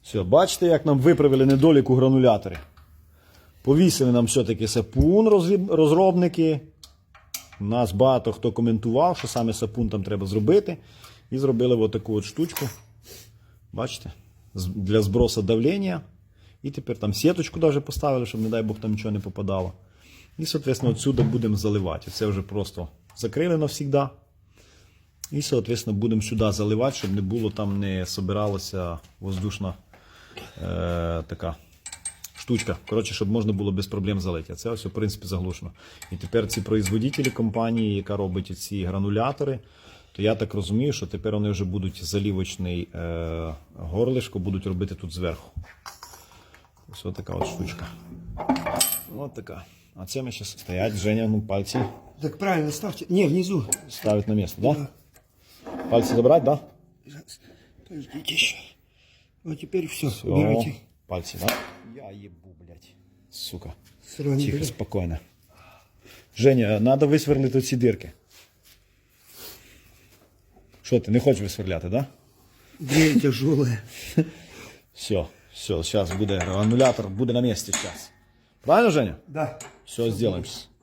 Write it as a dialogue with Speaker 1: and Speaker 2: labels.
Speaker 1: Все, бачите, як нам виправили недолік у грануляторі. Повісили нам все-таки сапун розробники. Нас багато хто коментував, що саме сапун там треба зробити. І зробили ось таку от штучку. Бачите? Для збросу давлення. І тепер там сіточку даже поставили, щоб, не дай Бог, там нічого не попадало. І, соответственно, отсюда будемо заливати. Це вже просто закрили навсегда. І, соответственно, будемо сюди заливати, щоб не було там, не собиралася воздушна така штучка. Коротше, щоб можна було без проблем залити. А це ось, в принципі, заглушено. І тепер ці производителі компанії, яка робить ці гранулятори, то я так розумію, що тепер вони вже будуть залівочний горлишко будуть робити тут зверху. Ось така от штучка. Ось така. А це ми зараз стоять, Женя, ну пальці.
Speaker 2: Так правильно, ставьте. Не, внизу.
Speaker 1: Ставить на место, да? Пальцы забрать, да?
Speaker 2: Подождите еще. Вот теперь все,
Speaker 1: Все.
Speaker 2: убирайте.
Speaker 1: Пальцы, да? Я ебу, блядь. Сука.
Speaker 2: Сразу не
Speaker 1: Тихо,
Speaker 2: беру.
Speaker 1: спокойно. Женя, надо висверлити ці дирки. Що ти, не хочеш висверляти, да?
Speaker 2: Дрель тяжелая.
Speaker 1: Все, сейчас буде, аннулятор буде на месте сейчас. Правильно, Женя?
Speaker 2: Да.
Speaker 1: Все, сделаем сейчас.